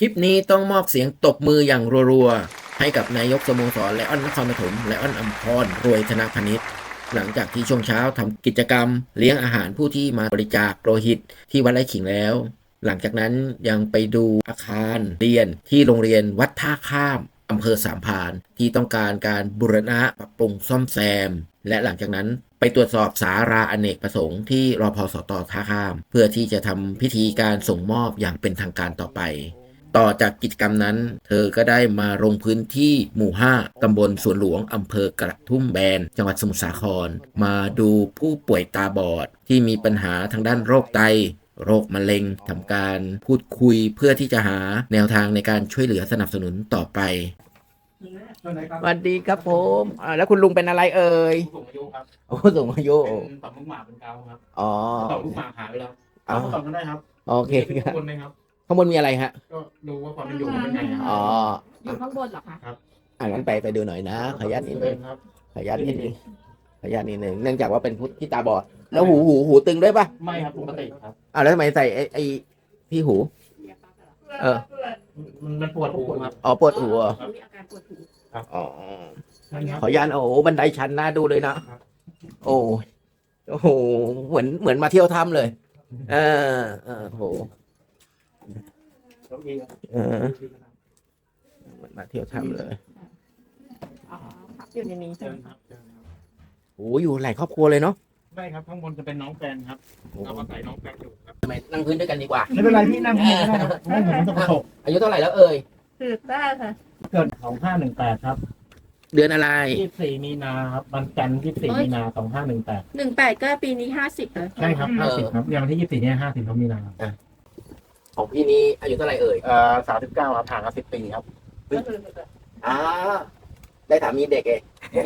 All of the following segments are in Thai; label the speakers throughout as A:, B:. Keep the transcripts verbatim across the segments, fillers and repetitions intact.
A: ลิปนี้ต้องมอบเสียงตบมืออย่างรัวๆให้กับนายกสโมสรไลออนนครปฐมไลออนอัมพรรวยธนพนิชหลังจากที่ช่วงเช้าทำกิจกรรมเลี้ยงอาหารผู้ที่มาบริจาคโลหิตที่วัดไร่ขิงแล้วหลังจากนั้นยังไปดูอาคารเรียนที่โรงเรียนวัดท่าข้ามอำเภอสามพรานที่ต้องการการบูรณะปรับปรุงซ่อมแซมและหลังจากนั้นไปตรวจสอบศาลาอเนกประสงค์ที่รพสตท่าข้ามเพื่อที่จะทำพิธีการส่งมอบอย่างเป็นทางการต่อไปต่อจากกิจกรรมนั้นเธอก็ได้มาลงพื้นที่หมู่ห้าตำบลสวนหลวงอำเภอกระทุ่มแบนจังหวัดสมุทรสาครมาดูผู้ป่วยตาบอดที่มีปัญหาทางด้านโรคไตโรคมะเร็งทำการพูดคุยเพื่อที่จะหาแนวทางในการช่วยเหลือสนับสนุนต่อไปสวัสดีครับผมอ่าแล้วคุณลุงเป็นอะไรเอ่ย
B: ผู้สูงอายุครับ
A: โอ้สูงอายุ
B: เป็นต่อมลูกหมากเป็นเกาครับ
A: อ๋อ
B: ต่อมลูกหมากหายไปแล้ว
A: อ๋อ
B: เอาต่อกันได้ครับ
A: โอเค
B: มี
A: ครั
B: ข้า
A: บ
B: งบนไหมครับ
A: ข้างบนมีอะไรฮะ
B: ก็ดูว่าความเป็นอยู่เป็นไงครับ
A: อ๋อ
C: อยู่ข้างบนเหรอคะ
A: อ่างั้นไปไปดูหน่อยนะขออนุญาตนิดนึง
B: ครับ
A: ขออนุญาตนิดนึงขออนุญาตนิดนึงเนื่องจากว่าเป็นผู้ที่ตาบอดแล้วหูหูหูตึงด้วยปะ
B: ไม่ครับปกติครับ
A: อ่าแล้วทำไมใส่ไอ้ไอ้ที่หู เออ
B: มันมันปวดหูครับ
A: อ๋อปวดหูเหรอ
C: มีอาการปวดหู
A: อ๋อ
B: ใช่ครับ
A: ขออนุญาตโอ้โหบันไดชันน่าดูเลยนะโอ้ยโอ้โหเหมือนเหมือนมาเที่ยวถ้ำเลย เออเออโห
B: โชคดีครับ
A: เออเหมือนมาเที่ยวถ้ำเลย
C: อ๋อพักอยู่ในนี้ใช่
B: เชิ
C: ไหม
B: ญครับเชิญครับ
A: โอ้อยู่หลายครอบครัวเลยเนาะ
B: ไม่ครับข้างบนจะเป็นน้องแฟนครับเรามาใส่น้องแฟนอยู่ครับ
A: ทำไมนั่งพื้นด้วยกันดีกว่า
B: ไม่เป็นไรพี่นั่งที่นี่ก็ได้ครับไม่เหมือนจะประสบ
A: อายุเท่าไหร่แล้วเอ่ย
C: คือได้ค่ะ
B: เกิดสองห้าหนึ่งแปดครับ
A: เดือนอะไร
B: ยี่สิบสี่มีนาครับวันจันทร์ยี่สิบสี่มีนาสองห้าหนึ่งแปด
C: หนึ่งแปดก็ปีนี้ห้าสิบเลย
B: ใช่ครับห้าสิบครับอย่างวันที่ยี่สิบสี่เนี่ยห้าสิบเขามีนา
A: ของพี่นี้อายุเท่าไหร่เอ่ย
B: เอ่อสามสิบเก้าครับห่างกันสิบปีครับ
A: อ่าได้สามีเด็กเอง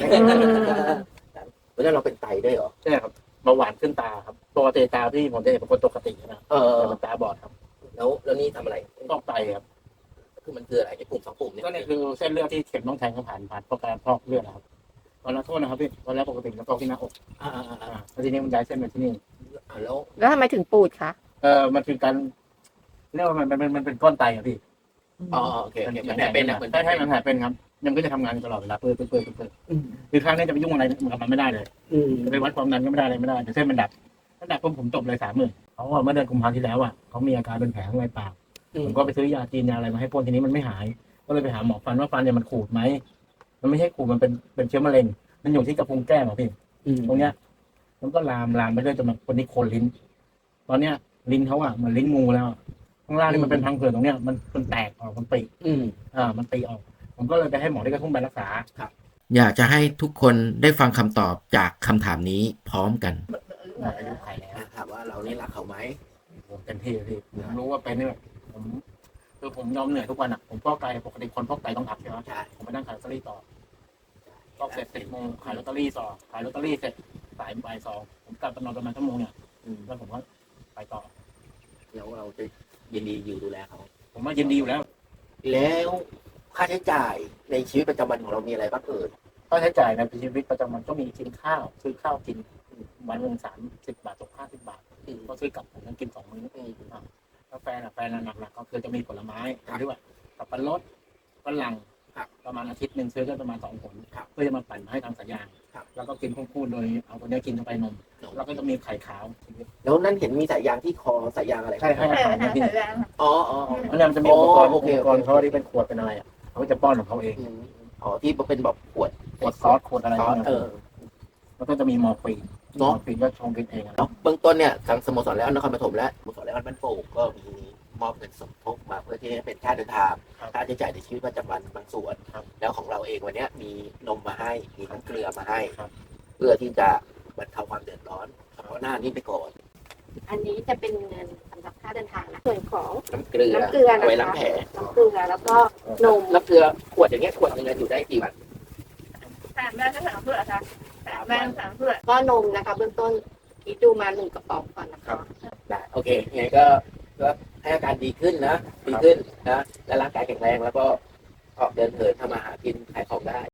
A: เพราะฉะนั้นเราเป็นไตด้วยเหรอ
B: ใช่ครับเบาหวานขึ้นตาครับปกติตาพี่ผมจะเห็นเป็นคนปกตินะ
A: เออ
B: แต่มันตาบอดครับ
A: แล้วแล้วนี่ทำอะไร
B: ต้องไตครับ
A: คือมันคืออะไรไอ้ปุ่มสองปุ่มเนี่ย
B: ก็เนี่ยคือเส้นเลือดที่เข็มต้องแทงเข้าผ่านผ่านเพราะการพอกเลือดนะครับตอนนั้นโทษนะครับพี่ตอนแรกปกติจะพอกที่หน้าอก
A: อ่าอ่าอ่า
B: อ่าแล้วทีนี้มันย้ายเส้นมาที่นี่
A: อ่าแล้ว
C: แล้วทำไมถึงปูดคะ
B: เออมันคือการเรียกว่ามันมันมันเป็นก้อนไตอะพี่
A: อ๋อโอเคโอเคมันแผลเป็นนะเหมือน
B: ใช่ใช่มันแผลเป็นครับยังก็จะทำงานอยู่ตลอดเวลาเปื่อยเปื่อยเปื่อยเปื่อยคือครั้งนี้จะไปยุ่งอะไรกับมันไม่ได้เลย
A: อืม
B: จะไปวัดความดันก็ไม่ได้อะไรไม่ได้แต่เส้นมันดับถ้าดับปุ๊บผมจบเลยสามหมื่นเขาว่าเมื่อเดือนกุมภาพันธ์ที่แล้วอ่ะเขามีอาการเป็นแผลข้างในปาก ผมก็ไปซื้อยาจีนยาอะไรมาให้พ่นทีนี้มันไม่หาย ก็เลยไปหาหมอฟันว่าฟันเนี่ยมันขูดไหมมันไม่ใช่ขูดมันเป็นเป็นเชื้อมะเร็ง มันอยู่ที่กระพุ้งแก้มอ่ะพี่
A: อืม
B: ตรงเนี้ย มันก็ลามลามไปเรื่อยจนมันคนนี้โคนลิ้น ตอนเนี้ยลิ้นเขาอ่ะเหมือนลิ้นงูแล้วอะข้างล่างนี่มันเป็นพังผืดตรงเนี้ยมันมันแตกออกมันปี
A: อืม
B: อ่ามันตีออก ผมก็เลยไปให้หมอที่กระทุ่มไปรักษา
A: อยากจะให้ทุกคนได้ฟังคำตอบจากคำถามนี้พร้อมกัน
B: อายุไขแล้ว
A: ถามว่าเรานี่รักเขาไหม
B: ผมเต็มที่เลยพี่ผมรู้ว่าเป็นเนี่ยผมคือผมยอมเหนื่อยทุกวันอ่ะผมฟอกไตปกติคนฟอกไตต้องพักใช่ไหม
A: ใช่
B: ผมไปนั่งขายลอตเตอรี่ต่อฟอกเสร็จสิบโมงขายลอตเตอรี่ต่อขายลอตเตอรี่เสร็จสายบ่ายสองผมกลับไปนอนประมาณชั่วโมงเนี่ย
A: อืม
B: แล้วผมก็ไปต่อ
A: แล้วเราจะยินดีอยู่ดูแลเขา
B: ผมว่ายินดีอยู่แล้ว
A: แล้วค่าใช้จ่ายในชีวิตประจำวันของเรามีอะไรบ้างเอ่ย
B: ค่าใช้จ่ายในชีวิตประจำวันก็มีกินข้าวซื้อข้าวกินวันหนึ่งสามสิบบาทตกห้าสิบบาทก็ซื้อกลับผมต้องกินสองมื้ออ่ะแล้วแฟนอ่ะแฟนหนักๆก็คือจะมีผลไม้ที่ว่าสับปะรดฝรั่งประมาณอาทิตย์หนึ่งซื้อก็ประมาณสองผลเพื่อจะมาปั่นมาให้ทางสายยางแล้วก็กินคู่ๆโดยเอาตัวนี้กินเข้าไปนมแล้วก็จะมีไข่ขาว
A: แล้วนั่นเห็นมีสายยางที่คอสายยางอะไร
B: ใช่ให้อาหารนะพี่
A: อ๋ออ๋ออ๋อ
B: อันนี้มันจะมีอุปกรณ์
A: โอ
B: อุ
A: เค
B: ปกรณ์เขาที่เป็นขวดเป็นอะไรอ่ะเขาจะป้อนของเขาเอง
A: อืมอ๋อที่เป็นแบบขวด
B: ขวดซอสขวดอะไร
A: ซอสเออ
B: แล้วก็จะมีมอร์ฟีนม
A: เนาะ
B: อร์ฟีนก็ชงกินเองอะ
A: เนาะเบื้องต้นเนี่ยทางสโมสรแล้วนครปฐมและสโมสรแล้วบ้านโป่งก็มีมอบเงินสมทบมาเพื่อที่จะเป็นค่าเดินทางค่าใช้จ่ายในชีวิตประจำวันบางส่วนแล้วของเราเองวันเนี้ยมีนมมาให้มีน้ำเกลือมาให้ เพื่อที่จะบรรเทาความเดือดร้อนเฉพาะหน้านี้ไปก่อน
C: อันนี้จะเป็นเงินสำหรับค่าเดินทางนะส่วนของ
A: น้ำเกลือ
C: น้ำเกลือนะคะ
A: เอาไว้ล้างแผล
C: น้ำเกลือแล้วก็นม
A: น้ำเกลือขวดอย่างเงี้ยขวดหนึงอยู่ได้กี่วัน
D: สามแม่ก็สามเพื่อค่ะสามแม่สามเพื่อ
C: ก็นมนะคะเบื้องต้นคิดดูมาหนึ่งกระป๋องก่อนนะคะ
A: ได้โอเคยังไงก็ก็ให้อาการดีขึ้นนะดีขึ้นนะและร่างกายแข็งแรงแล้วก็ออกเดินเหินทำมาหากินขายของได้